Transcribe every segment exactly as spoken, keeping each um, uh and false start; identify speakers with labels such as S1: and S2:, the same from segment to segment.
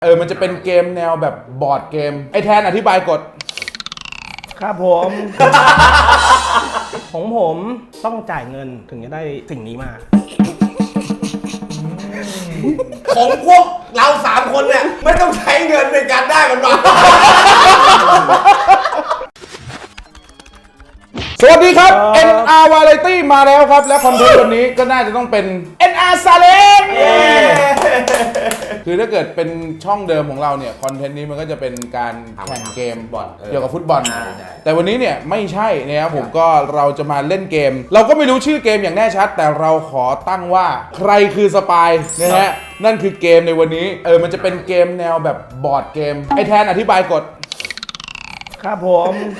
S1: เออมันจะเป็นเกมแนวแบบบอร์ดเกมไอแทนอธิบายกฎ
S2: ครับผม ของผมต้องจ่ายเงินถึงจะได้สิ่งนี้มา
S3: ของพวกเราสามคนเนี่ยไม่ต้องใช้เงินในการได้มันมา
S1: สวัสดีครับ เอ็น อาร์ Variety มาแล้วครับและคอนเทนต์วันนี้ก็น่าจะต้องเป็น เอ็น อาร์ Challenge คือถ้าเกิดเป็นช่องเดิมของเราเนี่ยคอนเทนต์นี้มันก็จะเป็นการแข่งเกมบอลเกี่ยวกับฟุตบอลแต่วันนี้เนี่ยไม่ใช่นะครับผมก็เราจะมาเล่นเกมเราก็ไม่รู้ชื่อเกมอย่างแน่ชัดแต่เราขอตั้งว่าใครคือสปายนะฮะนั่นคือเกมในวันนี้เออมันจะเป็นเกมแนวแบบบอร์ดเกมไอแทนอธิบายกฎ
S2: ครับผม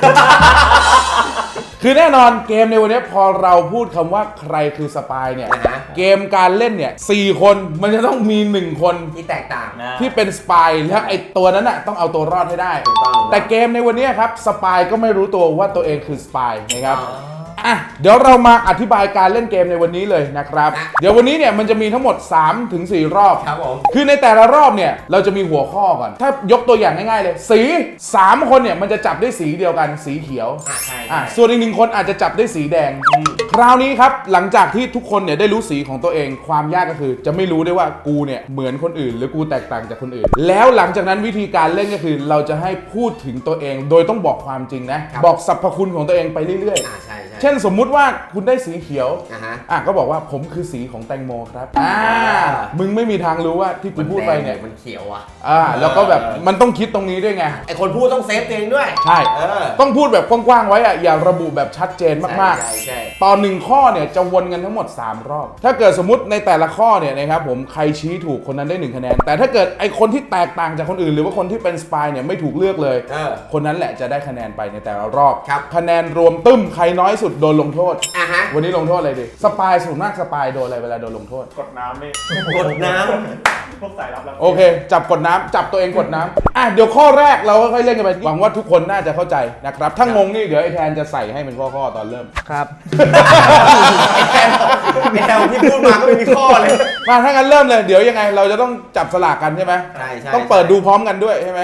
S1: คือแน่นอนเกมในวันนี้พอเราพูดคำว่าใครคือสปายเนี่ยเกมการเล่นเนี่ยสี่คนมันจะต้องมีหนึ่งคน
S3: ที่แตกต่าง
S1: ที่เป็นสปายและไอตัวนั้นน่ะต้องเอาตัวรอดให้ได้แต่เกมในวันนี้ครับสปายก็ไม่รู้ตัวว่าตัวเองคือสปายนะครับอ่ะเดี๋ยวเรามาอธิบายการเล่นเกมในวันนี้เลยนะครับเดี๋ยววันนี้เนี่ยมันจะมีทั้งหมด สามถึงสี่ รอบ
S3: ครับผม
S1: คือในแต่ละรอบเนี่ยเราจะมีหัวข้อก่อนถ้ายกตัวอย่างง่ายๆเลยสีสามคนเนี่ยมันจะจับได้สีเดียวกันสีเขียว
S3: อ่ะใช่
S1: อ่ะส่วนอีกหนึ่งคนอาจจะจับได้สีแดงคราวนี้ครับหลังจากที่ทุกคนเนี่ยได้รู้สีของตัวเองความยากก็คือจะไม่รู้ได้ว่ากูเนี่ยเหมือนคนอื่นหรือกูแตกต่างจากคนอื่นแล้วหลังจากนั้นวิธีการเล่นก็คือเราจะให้พูดถึงตัวเองโดยต้องบอกความจริงนะบอกสรรพคุณของตัวเองไปเรื่อยๆเช่นสมมุติว่าคุณได้สีเขียวอ่ะก็บอกว่าผมคือสีของแตงโมครับอ่ามึงไม่มีทางรู้ว่าที่กูพูดไปเนี่ย
S3: มันเขียวอ่ะ
S1: อ่าแล้วก็แบบมันต้องคิดตรงนี้ด้วยไง
S3: ไอคนพูดต้องเซฟตัวเองด้วย
S1: ใช่ต้องพูดแบบกว้างๆไว้อ่ะอย่าระบุแบบชัดเจนมากๆตอนหนึ่งข้อเนี่ยจะวนกันทั้งหมดสามรอบถ้าเกิดสมมติในแต่ละข้อเนี่ยนะครับผมใครชี้ถูกคนนั้นได้หนึ่งคะแนนแต่ถ้าเกิดไอคนที่แตกต่างจากคนอื่นหรือว่าคนที่เป็นสปายเนี่ยไม่ถูกเลือกเลยคนนั้นแหละจะได้คะแนนไปในแต่ละรอบคะแนนรวมตึ้มใครน้อยสุดโดนลงโทษวันนี้ลงโทษอะไรดีสปายส่วนมากสปายโดนอะไรเวลาโดนลงโทษ
S4: กดน้ำนี่
S3: กดน้
S4: ำพวกสายรับรับ
S1: โอเคจับกดน้ำจับตัวเองกดน้ำอ่ะเดี๋ยวข้อแรกเราค่อยๆเล่นกันไปหวังว่าทุกคนน่าจะเข้าใจนะครับถ้างงนี่เดี๋ยวไอ้แทนจะใส่ให้เป็นข้อๆตอนเริ่ม
S2: ครับ
S3: ไอ้แทนไอ้แทนที่พูดมาก็ไม่มีข้อเลย
S1: มาถ้างั้นเริ่มเลยเดี๋ยวยังไงเราจะต้องจับสลากกันใช่ไหม
S3: ใช่ใช่
S1: ต้องเปิดดูพร้อมกันด้วยใช่ไหม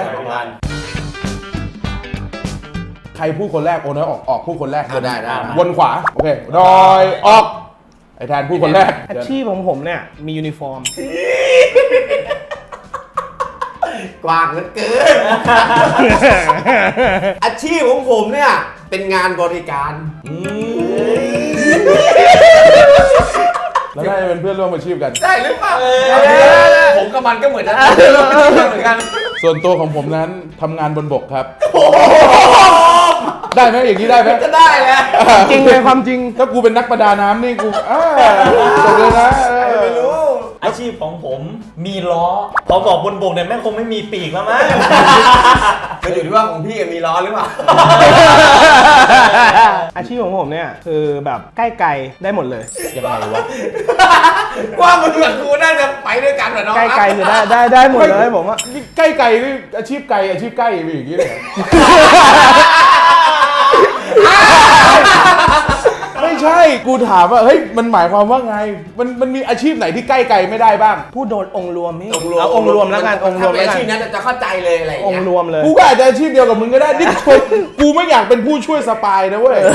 S1: ใครพูดคนแรกโอ้น้อยออกออกพูดคนแรก
S3: ได้ได้
S1: วนขวาโอเคดอยออกไอ้แทนพูดคนแรก
S2: อาชีพของผมเนี่ยมียูนิฟอร์ม
S3: กว้างเหลือเกินอาชีพของผมเนี่ยเป็นงานบริการ
S1: แล้วได้เป็นเพื่อนร่วมอาชีพกัน
S3: ได้หรือเปล่าผมกับมันก็เหมือนกันเหมือนกัน
S1: ส่วนตัวของผมนั้นทำงานบนบกครับได้ไหมอย่างนี้ได้ไหม
S3: ก็ได้แหละ
S2: จริงเลยความจริง
S1: ถ้ากูเป็นนักประดาน้ำนี่กูอ่าจบเลยนะ
S3: ไม่รู้
S4: อาชีพของผมมีล้อพอบอกบนบกเนี่ยแม่งคงไม่มีปีกแล้วมั้ง
S3: มันอยู่ที่ว่าของพี่มีล้อหรือเปล่า
S2: อาชีพของผมเนี่ยคือแบบใกล้ไกลได้หมดเลย
S1: ยังไงวะ
S3: ว่ามึงกับกูน่าจะไปด้วยกันเหรอน้อง
S2: ใกล้ไกลคือได้ได้ได้หมดเลยผมว่า
S1: ใกล้ไกลนี่อาชีพไกลอาชีพใกล้มีอย่างนี้เลยไม่ใช่กูถามว่าเฮ้ยมันหมายความว่าไงมันมันมีอาชีพไหนที่ใกล้ไกลไม่ได้บ้าง
S2: พูดโดนองค์รวมนี่เอาองค์รวมแล้วกันองค์รวมแล้วกัน
S3: อาชีพนั้นจะเข้าใจเลยอะไร
S2: องค์รวมเลย
S1: กูก็อาจจะอาชีพเดียวกับมึงก็ได้นี่กูไม่อยากเป็นผู้ช่วยสปายนะเว้ย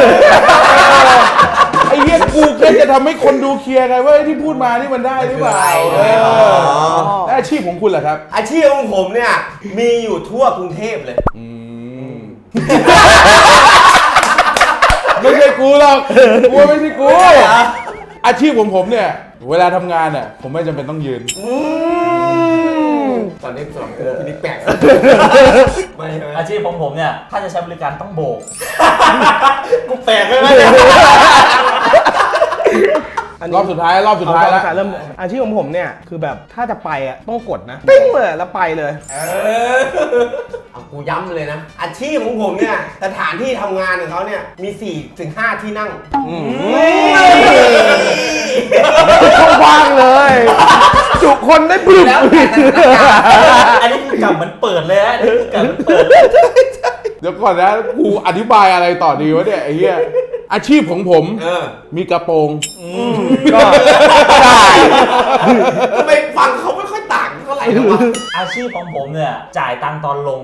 S1: ไอ้เหี้ยกูแค่จะทำให้คนดูเคลียร์ไงว่าที่พูดมานี่มันได้หรือเปล่าแล้วอาชีพของคุณล่ะครับ
S3: อาชีพของผมเนี่ยมีอยู่ทั่วกรุงเทพเลย
S1: ไม่ใช่กูหรอกกูไม่ใช่กูอาชีพของผมเนี่ยเวลาทำงานเนี่ยผมไม่จำเป็นต้องยืน
S3: ตอนนี้สองกูพี่นิกแปลก
S4: ไม่ใช่อาชีพของผมเนี่ยถ้าจะใช้บริการต้องโบกกูแปลกเลยไหม
S1: รอบสุดท้ายรอบสุดท้ายแล้ว
S2: เริ่มอาชีพของผมเนี่ยคือแบบถ้าจะไปอ่ะต้องกดนะปิ้งเลยแล้วไปเลย
S3: เออเอากูย้ำเลยนะอาชีพของผมเนี่ยสถานที่ทำงานของเขาเนี่ยมีสี่ถึงห้าที่นั่ง
S2: ว่างเลยจุคนได้ปลุก
S4: อันนี้กลับเหมือนเปิดเลยฮะกลับเหมือนเปิด
S1: เดี๋ยวก่อนนะกูอธิบายอะไรต่อดีวะเนี่ยไอ้เหี้ยอาชีพของผมมีกระโปรง
S3: ก็ได้ทำไมฟังเขาไม่ค่อยต่างเท่าไหร่แล้ววะ
S4: อาชีพของผมเนี่ยจ่ายตังค์ตอนลง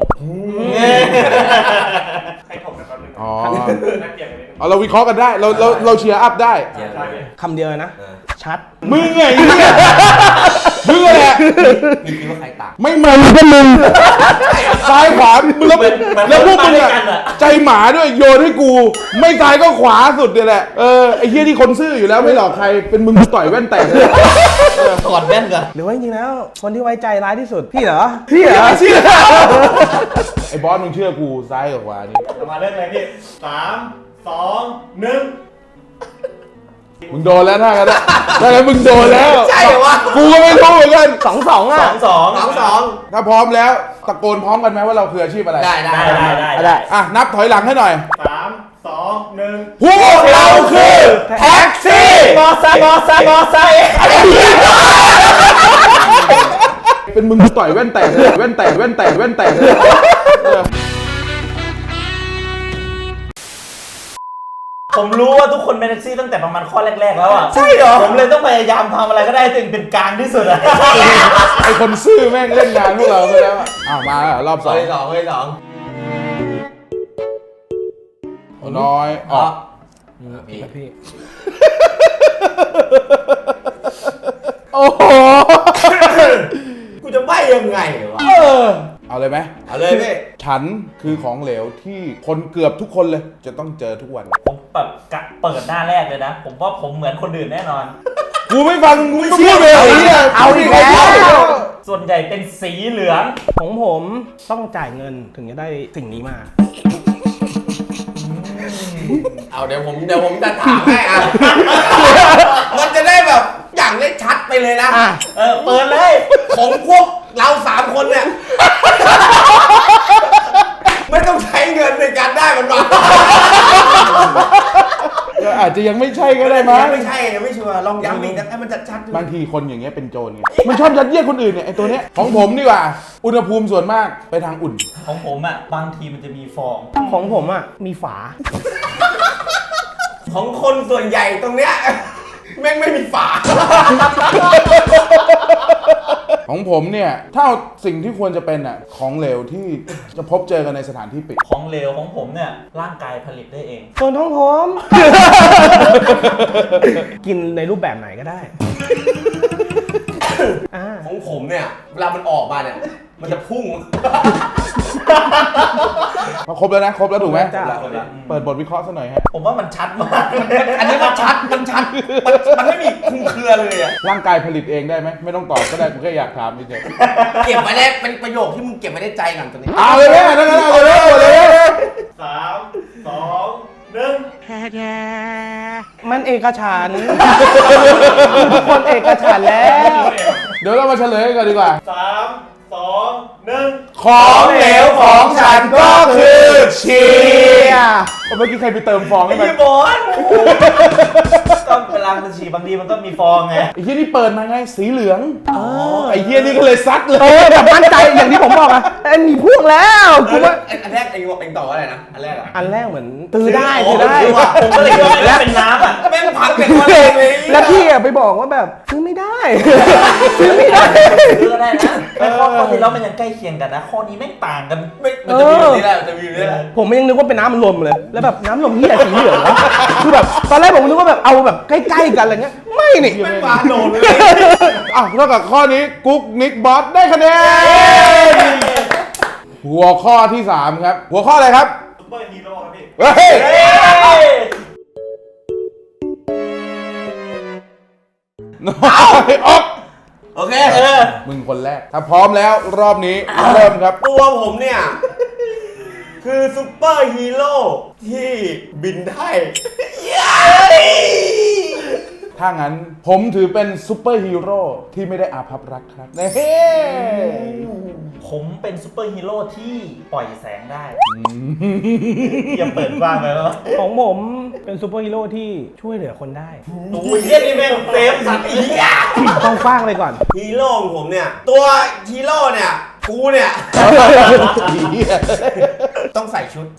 S5: ให้ถกกันแป๊บนึง
S1: อ๋อ
S5: น่าเปลี่ยนกันนิดนึง
S1: เอาเราวิเคราะห์กันได้เราเราเราเชียร์อัพได้
S3: เดี๋ยว
S5: ใช่เลย
S2: คำเดียวเลยนะ
S3: เออ
S2: ชัด
S1: มึงไงไอ้เหี้ยมึงแหละ
S3: มีคิดว่าใครต่าง
S1: ไม่มึงก็มึงซ้ายขวามึงแล้ว
S4: เหมือนเหมือน
S1: แล้วพวกมึง
S4: มาด้วย
S1: อะ
S4: กันอะ
S1: ใจหมาด้วยโยนให้กู ไม่ซ้ายก็ขวาสุดเนี่ยแหละเออไอ้เหี้ยที่คนซื่ออยู่แล้วไม่หลอกใครเป็นมึงต่อยแว่นแตกเลย
S4: ถอดแว่นก่อน
S2: หรือว่าจริงๆแล้ว คนที่ไว้ใจร้ายที่สุด พี่เหรอ พี่เหรอ
S1: ไอ้บอสมึงเชื่อกูซ้ายกับขวานี่
S5: เรามาเริ่มเลยพี่สามสองหนึ่ง
S1: มึงโดนแล้วถ้ากันนะถ้ากันมึงโดนแล้ว
S3: ใช่เหรอวะ
S1: กูก็ไม่รู้เหมือนกัน
S2: สองสองอ่ะ
S4: สองสอง
S3: สองสอง
S1: ถ้าพร้อมแล้วตะโกนพร้อมกันไหมว่าเราคืออาชีพอะไร
S3: ได้ได้
S4: ได้ได้ได้
S2: ได้
S1: อ่ะนับถอยหลังให้หน่อย
S5: สามสองหนึ่ง
S1: พวกเราคือแท็กซี่
S4: มอไซค์มอไซค์มอไซค์
S1: เป็นมึงต่อยแว่นแตกเลยแว่นแตกแว่นแตกแว่นแตกเลยเออ
S4: ผมรู้ว่าทุกคนเป็นแท็กซี่ตั้งแต่ประมาณข้อแรกๆแล้วอ่ะ
S3: ใช่เหรอ
S4: ผมเลยต้องพยายามทำอะไรก็ได้ถึงเป็นกลางที่สุดอะ
S1: ไอคนซื่อแม่งเล่นงานพวกเราไปแล้วอะอ้าวมาแล้วรอบ
S3: ส
S1: ส
S3: อ
S1: อง ง
S3: สองเลยสอง
S1: น้อยออก
S3: พี่
S2: พี่
S1: โอ้โห
S3: กูจะใบ้ยังไงวะ
S1: เออเอาเลยไหม
S3: เอาเลยพี่
S1: ฉันคือของเหลวที่คนเกือบทุกคนเลย จะต้องเจอทุกวัน
S4: ผมแบบกะเปิดหน้าแรกเลยนะ ผมว่าผมเหมือนคนอื่นแน่นอน
S1: กูไม่ฟังกูไม่เชื่อเลยไอ้เนี่ย
S2: เอาอีกแล้ว
S4: ส่วนใหญ่เป็นสีเหลือง
S2: ของผมต้องจ่ายเงินถึงจะได้สิ่งนี้มา
S3: เอาเดี๋ยวผมเดี๋ยวผมจะถามให้อ่ะ มันจะได้แบบอย่างได้ชัดไปเลยนะ
S2: อ่ะ
S4: เออเปิดเลย
S3: ของพวกเราสามคนเนี่ย ไม่ต้องใช้เงินในการได้มันมา
S1: ก็อาจจะยังไม่ใช่ก็ได้มั้ง
S3: ไม่ใช่ยังไม่ชัวร์ลองย้ำอีกนะให้มันชัดๆดู
S1: บางทีคนอย่างเงี้ยเป็นโจรไงมันชอบยัดเยียดคนอื่นเนี่ยไอตัวเนี้ยของผมดีกว่า อุณหภูมิส่วนมากไปทางอุ่น
S4: ของผมอ่ะบางทีมันจะมีฟอง
S2: ของผมอ่ะ มีฝา
S3: ของคนส่วนใหญ่ตรงเนี้ย แม่งไม่มีฝา
S1: ของผมเนี่ยถ้าเอาสิ่งที่ควรจะเป็นอ่ะของเหลวที่จะพบเจอกันในสถานที่ปิด
S4: ของเหลวของผมเนี่ยร่างกายผลิตได้เอง
S2: ส่วนของผม กินในรูปแบบไหนก็ได้ อ่า
S3: ของผมเนี่ยเวลามันออกมาเนี่ย มันจะพุ่ง
S1: มาครบแล้วนะครบแล้วถูกไหม
S2: จ้ะ
S1: เปิดบทวิเคราะห์ซะหน่อยฮะ
S4: ผมว่ามันชัดมาก
S3: อันนี้มันชัด มันชัด มันมันไม่มีคลุมเครือเลยอ่ะ
S1: ร่างกายผลิตเองได้ไหมไม่ต้องตอบก็ได้กูแค่อยากถามเฉย
S3: เก็บไว้ได้เป็นประโยคที่มึงเก็บไว้ในใจก่อนตอนนี้
S1: ๆเอาเลยแม่ทั้งนั้นเอาเลยเอาเลย
S5: สามสองหนึ่ง
S2: มันเอกฉันท์ ทุกคนเอกฉันท์แล้ว
S1: เดี๋ยวเรามาเฉลยกันก่อนดีกว่า
S5: สามสองหนึ่ง
S1: ของเหลวของฉันก็คือชีเมื่อกี้ใครไปเติมฟองให้มัน
S4: พี่บอลก็เวลามันฉี่บางทีมันก็มีฟองไง
S1: ไอ้เหี้ยนี่เปิดมาไงสีเหลืองไอ้เหี้ยนี่ก็เลยซัดเล
S2: เอย อแบบมั่นใจอย่างที่ผมบอกอะไอ้มีพวกแล้วกูว่า
S3: อันแรกเองบอกเองต่อว่าอะไรนะ อันแรกอะ
S2: อันแรกเหมือนตื้อได้ตื้อได้
S4: ผมก็เลยคิดว่ามันเป็นน้ำอ่ะ
S3: แม่งพังเป็นคนเองเลย
S2: แล้วพี่อะไปบอกว่าแบบซื้อไม่ได้ ซื้อไม่ได้
S4: ซื้อก็ได้นะแต่ข้อข้อที่แล้วมันยังใกล้เคียงกันนะ ข้อนี้แม่งต่างกัน
S3: ไม่มันจะมีแบบนี้แหละมันจะมีแบบนี้แหละ
S2: ผมยังนึกว่าเป็นน้ำมันลมเลย แล้วแบบน้ำลมเหี้ยสีเหลืองวะคือแบบตอนแรกผมนึกว่าแบบเอาแบบใกล้ๆกันอะไรเงี้ย ไม่นี่
S3: ไม่ปาโดนเลย
S1: อ่ะนอกจากข้อนี้กุ๊กนิกบอสได้คะแนนหัวข้อที่สามครับ หัวข้ออะไรครับ
S5: ซุปเปอร์ฮีโร่ครับพี่
S1: เฮ้ย
S4: เฮ้ย
S1: น้อยออก
S3: โอเค
S4: เออ
S1: มึงคนแรก ถ้าพร้อมแล้วรอบนี้เริ่มครับ
S3: ตัวผมเนี่ย คือซุปเปอร์ฮีโร่ที่บินได้
S1: ถ้างั้นผมถือเป็นซูเปอร์ฮีโร่ที่ไม่ได้อาภัพรักครับเฮ้
S4: ผมเป็นซูเปอร์ฮีโร่ที่ปล่อยแสงได้อย่าเปิดกว้างไปแล้ว
S2: ของผมเป็นซูเปอร์ฮีโร่ที่ช่วยเหลือคนได้
S4: โอ้ยเยี่ยนี่แม่งเซฟสัตว์อีกอ่ะ
S2: ต้องฟางไปก่อน
S3: ฮีโร่ของผมเนี่ย ตัวฮีโร่เนี่ย กูเนี่ย ต้องใส่ชุด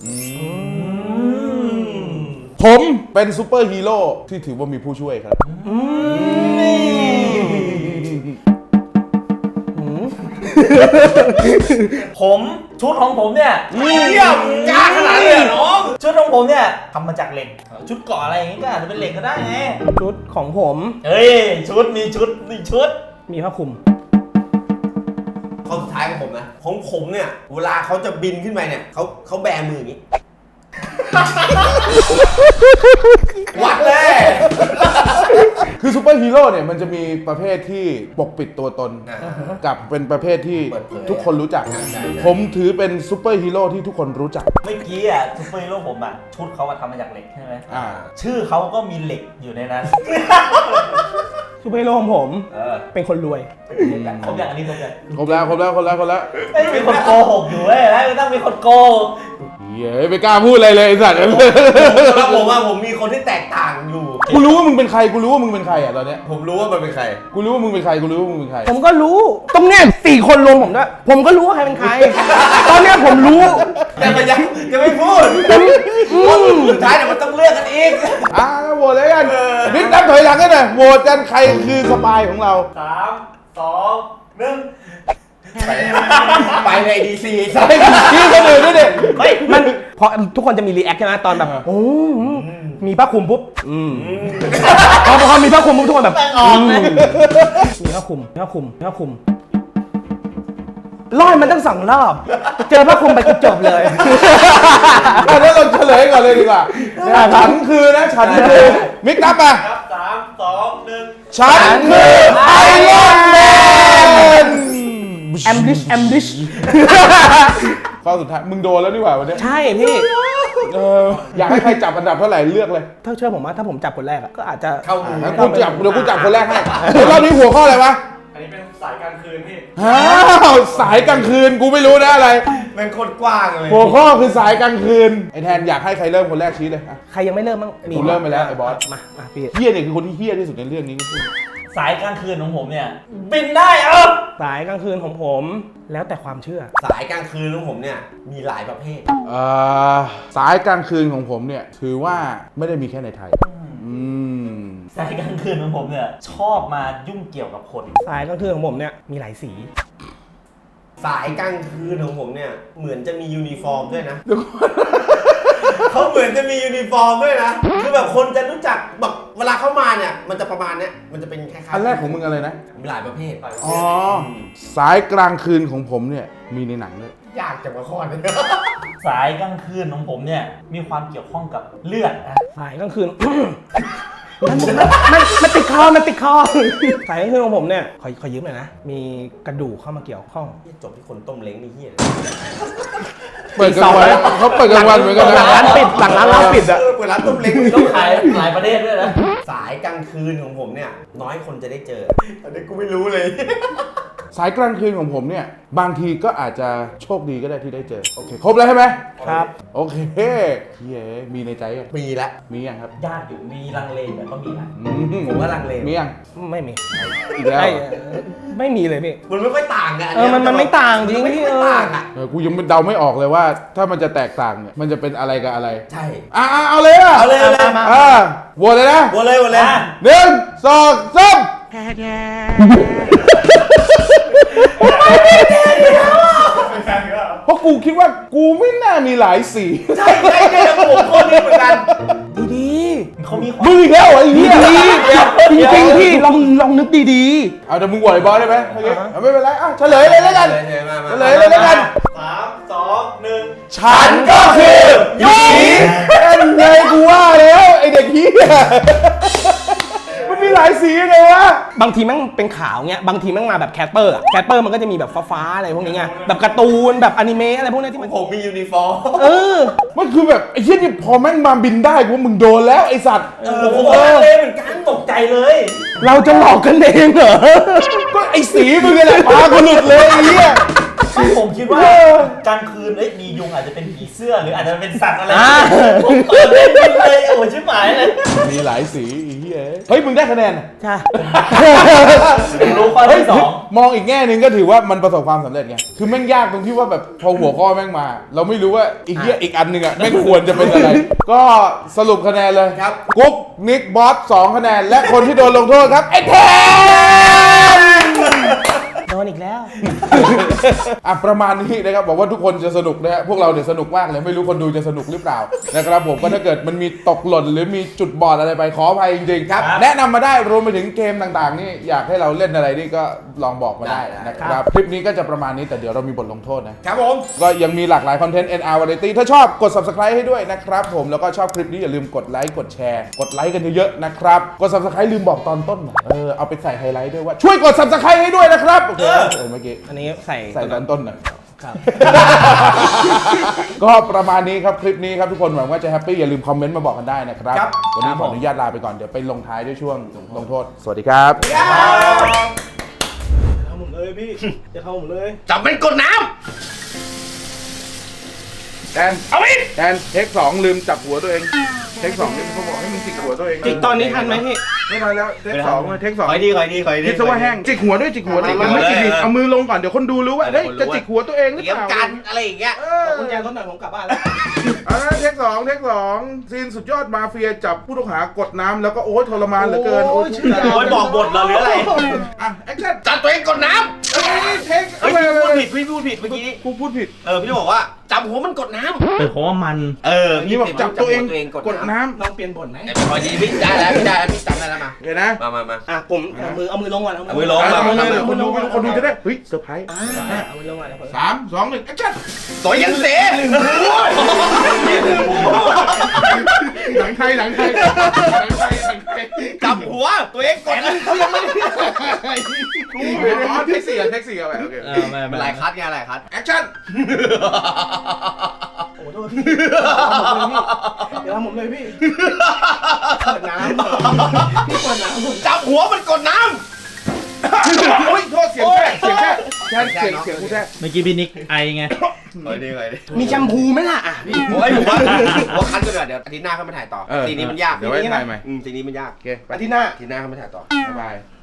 S1: ผมเป็นซูเปอร์ฮีโร่ที่ถือว่ามีผู้ช่วยครับ
S4: ผมชุดของผมเนี่ย
S3: เยี่ยมกล้าขนาดนี้เลยเหรอน้อง
S4: ชุดของผมเนี่ยทำมาจากเหล็ก ชุดเกาะอะไรอย่างงี้ก็อาจจะเป็นเหล็กก็ได้ไง
S2: ชุดของผม
S4: เฮ้ยชุดมีชุดมีชุด
S2: มีผ้าคลุม
S3: ข้อสุดท้ายของผมนะของผมเนี่ยเวลาเขาจะบินขึ้นไปเนี่ยเขาเขาแบมืออย่างนี้ วัดเลย
S1: คือซูเปอร์ฮีโร่เนี่ยมันจะมีประเภทที่ปกปิดตัวตน กับเป็นประเภทที่
S3: เปิดเผย
S1: ทุกคนรู้จัก
S3: ใช่ใช่
S1: ผมถือเป็นซูเปอร์ฮีโร่ที่ทุกคนรู้จัก
S4: เมื่อกี้อ่ะซุปเปอร์ฮีโร่ผมอ่ะชุดเขาอะทำมาจากเหล็กใช่ไหม
S1: อ่า
S4: ชื่อเขาก็มีเหล็กอยู่ในนั้น
S2: ซูเปอร์ฮีโร่ของผม
S4: เออ
S2: เป็นคนรวย
S4: ครบอย่างอันนี้ครบอย่าง
S1: ครบแล้วครบแล้วครบแล้วครบแล้ว
S4: ไม่มีคนโกหกอยู่เว้ยแล้วไม่ต้องมีคนโกหก
S1: เย้ยไม่กล้าพูดอะไรเลยไอ้สัตว์
S3: แล้วผมว่าผมมีคนที่แตกต่างอยู่
S1: กูรู้ว่ามึงเป็นใครกูรู้ว่ามึงเป็นใครอ่ะตอนเนี้ย
S3: ผมรู้ว่ามันเป็นใคร
S1: กูรู้ว่ามึงเป็นใครกูรู้ว่ามึงเป็นใคร
S2: ผมก็รู้ตรงเนี้ยสี่คนรวมผมด้วยผมก็รู้ว่าใครเป็นใคร ตอนเนี้ยผมรู้
S3: แต่มันยังยังไม่พูดเพราะสุดท้ายเนี่ยมันต้องเลือกกันอีก
S1: อ่าโหวตเลยกันบิ๊กนับถอยหลังกันหน่อยโหวตกันใครคือสปายของเรา
S5: สามสองหนึ่ง
S3: ไปไปในดีซี
S1: ไอ้พี่คนอื่นด้วยดิ
S2: เฮ้ยมันพอทุกคนจะมีรีแอคใช่ไหมตอนแบบโอ้มีผ้าคลุมปุ๊บอืมพอพอมีผ้าคลุมปุ๊บทุกคนแบบอืมมีผ้าคลุมมีผ้าคลุมมีผ้าคลุมรอดมันตั้งสองรอบเจอผ้าคลุมไปก็จบเลย
S1: อ่ะแล้วเราเฉลยก่อนเลยดีกว่าฉันคือนะฉันคือมิกนับมา
S5: ครับสามสองหนึ่ง
S1: ฉันคือไอรอนแมน
S2: แอมบิชแอมบิช
S1: ข้อสุดท้ายมึงโดนแล้วนี่หว่าวันเนี้ย
S2: ใช่พี่
S1: เอออยากให้ใครจับอันดับเท่าไหร่เลือกเลย
S2: ถ้าเชื่อผมว่าถ้าผมจับคนแรกอะก็อาจจะ
S3: เข้าหู
S1: งั้นกูจับเดี๋ยวกูจับคนแรกให้เดี๋ยวรอบนี้หัวข้ออะไรวะ
S5: อันนี้เป็นสายกลางคืนพี่
S1: อ้าวสายกลางคืนกูไม่รู้นะอะไร
S3: เป็นคนกว้างเลย
S1: หัวข้อคือสายกลางคืนไอแทนอยากให้ใครเริ่มคนแรกชี้เลยอ่ะ
S2: ใครยังไม่เริ่มบ้าง
S1: กูเริ่มไปแล้วไอ้บอส
S2: มามาพี่
S1: เฮียเนี่ยคือคนที่เฮียที่สุดในเรื่องนี้
S4: สายกลางคืนของผมเนี่ยบินได้เออ
S2: สายกลางคืนของผม แล้วแต่ความเชื่อ
S3: สายกลางคืนของผมเนี่ยมีหลายประเภท
S1: เอ่อสายกลางคืนของผมเนี่ยถือว่าไม่ได้มีแค่ในไทยอืม
S4: สายกลางคืนของผมเนี่ยชอบมายุ่งเกี่ยวกับคน
S2: สายกลางคืนของผมเนี่ยมีหลายสี
S3: สายกลางคืนของผมเนี่ยเหมือนจะมียูนิฟอร์มด้วยนะ เขาเหมือนจะมียูนิฟอร์มด้วยนะ คือแบบคนจะรู้จักแบบเวลาเข้ามาเนี่ยมันจะประมาณเนี้ยมันจะเป็นคล้ายๆ
S1: อันแรกของมึงอะไรนะ
S3: มีหลายประเภท
S1: อ๋อสายกลางคืนของผมเนี่ยมีในหนังด้วย
S3: ยากจังมาข้อนี้
S4: สายกลางคืนของผมเนี่ยมีความเกี่ยวข้องกับเลือดนะ
S2: สายกลางคืน มันมันมันมันติดคอมันติดคอ สายกลางคืนของผมเนี่ยขอขอยืมหน่อยนะ มีกระดูกเข้ามาเกี่ยวข้อง
S3: จบที่คนต้มเล้งนี่เฮีย
S1: เปิดกลางวันเขาเปิดกลางวันเหมือนกัน
S2: หลังร้า
S1: นะ
S2: นปิดหลังร้านร้านปิดอะ
S3: เออเปิดร้านต้มเล้ง
S4: ต้องขายหลายประเทศด้วยนะ
S3: สายกลางคืนของผมเนี่ยน้อยคนจะได้เจออันนี้กูไม่รู้เลย
S1: สายกลางคืนของผมเนี่ยบางทีก็อาจจะโชคดีก็ได้ที่ได้เจอโอเคครบแล้วใช่ไหม
S2: ครับ
S1: โอเคเฮ้ยมีในใจยัง
S3: มีละ
S1: มียังครับ
S4: ญาติอยู่มีลังเลแต่ก็มีนะ
S1: อื
S3: ผมว่าลังเล
S1: มียัง
S2: ไม่มี
S1: อีกแล้ว
S2: ไม่ไม่มีเลยพี่
S3: มันไม่ค่อยต่างกัน
S2: เออมันมันไม่ต่างจริง
S3: มันไม่
S2: พี่
S3: ค่อย
S2: เออ
S3: ต่างอ่ะ
S1: เออกูยังเดาไม่ออกเลยว่า ถ้ามันจะแตกต่างเนี่ยมันจะเป็นอะไรกับอะไร
S3: ใช่
S1: อ่ะอ่ะเอาเลยอ่ะ
S3: เอาเลยเอาเลย
S2: มา
S1: อ่ะโหวตเลยนะ
S3: วนเลยวนเลย
S4: อ่ะ
S1: หนึ่งสองสามเพราะกูคิดว่ากูไม่น่ามีหลายสี
S3: ใช่ใช่ใช่ผมคนนี้เหมือนกัน
S2: ดี
S4: เขามีความ
S1: มึงอีกแล้วเหรอไอ้เหี้ย
S2: ๆจริงจริงๆพี่ลองลองนึกดี
S1: เอาแต่มึงโหวตไอ้บอสได้ไหมโอเคเอาไม่เป็นไรอ่ะเฉลยเลยแล้วกัน
S3: เลยมามา
S1: เฉลยเลยแล้วกัน
S5: สามสองหนึ่ง
S1: ฉันก็คือยูนีเป็นไงกูว่าแล้วไอเด็กเหี้ยมันมีหลายสีไงวะ
S2: ๆบางทีแม่งเป็นขาวเงี้ยบางทีแม่งมาแบบแคสเปอร์อะแคสเปอร์มันก็จะมีแบบฟ้าๆอะไรพวกนี้ไงแบบการ์ตูนแบบอนิเมะอะไรพวกนี้ที่มัน
S3: ผมมียูนิฟอร์ม
S2: เออ
S1: มันคือแบบไอ้เหี้ยนี่พอแม่งมาบินได้กูว่ามึงโดนแล้วไอสัตว์
S3: เออผมก็ลังเลเหมือนกัน
S4: ตกใจเลย
S2: เราจะหลอกกันเองเหรอ
S1: ก็ไอสีมึงนี่แหละพากูหลุดเลยไอ้เหี้ย
S4: ผมคิดว่า
S1: เออ
S4: กลางคืนเอ้ยมียุงอาจจะเป็นผีเสื้อหรืออาจจะเป็นสัตว์อะไร
S2: อ่า
S4: ผมเปิดเล่นเลยโอ้ยชิบหายเลย
S1: มีหลายสีไอ้เหี้ยเฮ้ยมึงได้คะแนนอะ
S2: ใช่
S4: รู้ข้อที่สอง
S1: มองอีกแง่หนึ่งก็ถือว่ามันประสบความสำเร็จไง คือแม่งยากตรงที่ว่าแบบพอหัวข้อแม่งมา เราไม่รู้ว่าอีกเหี้ยอีกอันหนึ่งอ่ะแม่งควรจะเป็นอะไร ก็สรุปคะแนนเลย
S3: ครับ
S1: กุ๊กนิกบอสสองคะแนน และคนที่โดนลงโทษครับไอ้แทน
S2: โดนอีกแล้ว
S1: อ่ะประมาณนี้นะครับบอกว่าทุกคนจะสนุกนะฮะพวกเราเนี่ยสนุกมากเลยไม่รู้คนดูจะสนุกหรือเปล่านะครับผมก็ถ้าเกิดมันมีตกหล่นหรือมีจุดบอดอะไรไปขออภัยจริงๆครับแนะนำมาได้รวมไปถึงเกมต่างๆนี่อยากให้เราเล่นอะไรนี่ก็ลองบอกมาได้นะครับคลิปนี้ก็จะประมาณนี้แต่เดี๋ยวเรามีบทลงโทษนะครับ
S3: ผม
S1: ก็ยังมีหลากหลายคอนเทนต์ เอ็น อาร์ Variety ถ้าชอบกด Subscribe ให้ด้วยนะครับผมแล้วก็ชอบคลิปนี้อย่าลืมกดไลค์กดแชร์กดไลค์กันเยอะๆนะครับกด Subscribe ลืมบอกตอนต้นเออเอาไปใส่ไฮไลท์ด้วยว่าช่วยกด Subscribe ให้ด้วยนะครับโอเคเออเมื่อกี้
S2: อันนี้ใส่
S1: ใส่ตอนต้นหน่อย
S2: ครับ
S1: ก็ประมาณนี้ครับคลิปนี้ครับทุกคนหวังว่าจะแฮปปี้อย่าลืมคอมเมนต์มาบอกกันได้นะครับ
S3: ครับ
S1: วันนี้ขออนุญาตลาไปก่อนเดี๋ยวไปลงท้ายด้วยช่วงลงโทษสวัสดีครับ
S2: ทำผมเลยพี่ จะทำผมเลย
S3: จับเป็นกดน้
S1: แทนเอาอีกแทนเทคสองลืมจับหัวตัวเองเทคสองนี่เขาบอกให้มึงจิกหัวตัวเอง
S2: จิกตอนนี้ทันไหมพี่
S1: ไม่ทันแล้วเทคสองเทคสอง
S3: ำคอยดีคอยดีคอยดี
S1: คิดซะว่าแห้งจิกหัวด้วยจิกหัวด้วย
S3: จิกหัว
S1: ไม่จิก
S3: เลย
S1: ดิเอามือลงก่อนเดี๋ยวคนดูรู้ว่าเฮ้ยจะจิกหัวตัวเองหรือ
S3: เตรีย
S1: เป
S3: ม
S1: ล่า
S3: กันอะไรอย่างเงี้ย
S1: เออ
S2: กุญแจรถหน่อยผมกลับบ้านแล้ว
S1: อ่าเทคสองเทคสองซีนสุดยอดมาเฟียจับผู้ต้องหากดน้ำแล้วก็โอ๊ยทรมานเหลือเกิน
S2: โอ้ยชื่อยาว
S3: โอ้ยบอกบทเหรอหรืออะไร
S1: อ่ะแอคชั่น
S3: จับตัวเองกดน้
S1: เอ้ยเทค
S3: ำ
S1: เอา
S3: เฮ้ย
S1: ไป
S3: พี่พูดผิดพี่พูดผิดเมื่อกี้
S1: กูพูดผิด
S3: เออพี่บอกว่าจับหัวมันกดน้ำ
S4: เป็นเพราะว่ามัน
S3: เออ
S1: นี่บอกจับตัวเองกดน้
S2: ลองเปลี่ยนบทไหม
S3: คอยดีพี่ได้แล้วพี่ได้แล้วพี่จำได้แล้วมา
S1: ำเห็นนะ
S3: มามามา
S2: อ่ะผมเอามือเอามือลงก่อน
S3: เอามือลง
S1: อ่ะ
S3: มา
S1: เอา
S3: มา
S1: เลย
S3: มา
S1: คนดูคนดูจะได้เฮ้ยเซอร์ไพรส์
S2: อ่าเอามือลงก่อนเดี๋ยวผม
S1: สามสองหนึ่งแอคชั่น
S3: ตัวยันเส
S1: หนังไทยหนังไทยหนังไทยหนังไทย
S3: จับหัวตัวเองกดน้ำเขายังไม่ได้
S1: กูเห็นอ๋อเทคสี่อ่ะเทคสี่อ่ะแบบโอเค
S4: เออไม่
S3: เป็
S4: ไม่
S3: นหลายคัดไงหลายคัด
S1: แอคชั่น
S2: โอ้โหโทษพี่เดี๋ยวทำผมเลยพี่เปิดน้ำพี่เปิดน้ำ
S3: จับหัวมันกดน้
S1: โอ้ยโทษเสียงแท้เสียงแท้แท้เสียงเสียงกูแท้
S4: เมื่อกี้พี่นิกไอไง
S3: ำคอยดีคอยดี
S2: มีแชมพูไหมล่ะอ่ะพี่
S3: โอ้ยผมว่าผมว่าคัดกันก่อนเดี๋ยวอาทิตย์หน้าเข้ามาถ่ายต่อ
S1: เออ
S3: ซีนนี้มันยาก
S1: เดี๋ยวไว้ถ่ายใหม่
S3: อืมซีนนี้มันยาก
S1: โอเคไป
S2: อาทิตย์หน้า
S3: อาทิตย์หน้าเข้ามาถ่ายต่อ
S1: บ๊ายบาย